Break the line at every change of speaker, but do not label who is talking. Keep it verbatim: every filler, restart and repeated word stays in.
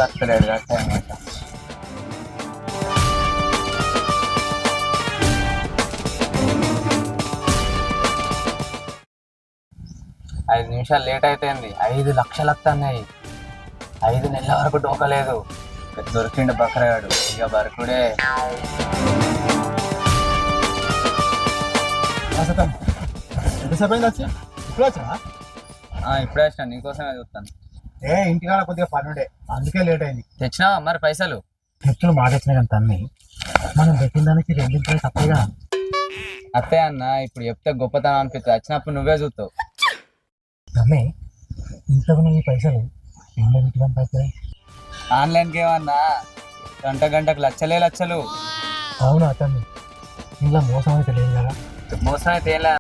వస్తలేడు కదా అనమాట. ఐదు నిమిషాలు లేట్ అయిపోయింది. ఐదు లక్షలు వస్తున్నాయి. ఐదు నెలల వరకు డోకలేదు. దొరికిండు బకరాడు. ఇక బరకుడే.
ఎంతసేపు అయింది వచ్చి? ఇప్పుడు వచ్చా?
ఇప్పుడే వచ్చినా, నీకోసమే చూస్తాను.
ఏ ఇంటికాడ కొద్దిగా పని ఉండే, అందుకే లేట్ అయింది.
తెచ్చినావా మరి పైసలు?
తెచ్చులు మాట వచ్చినాయి కానీ తన్ని మనం పెట్టిన దానికి రెండింటి తప్పగా.
అత్తే అన్న, ఇప్పుడు చెప్తే గొప్పతనం అనిపిస్తుంది. వచ్చినప్పుడు నువ్వే చూస్తావు.
తమ్మి ఇంతకు నీ పైసలు ఎన్నో పెట్టుకొని పైసలు
ఆన్లైన్కి ఏమన్నా గంట గంటకు లక్షలే లక్షలు.
అవునా తమ్మి, ఇంట్లో మోసం అయితే లేదు కదా?
మోసం అయితే ఏం లేదు.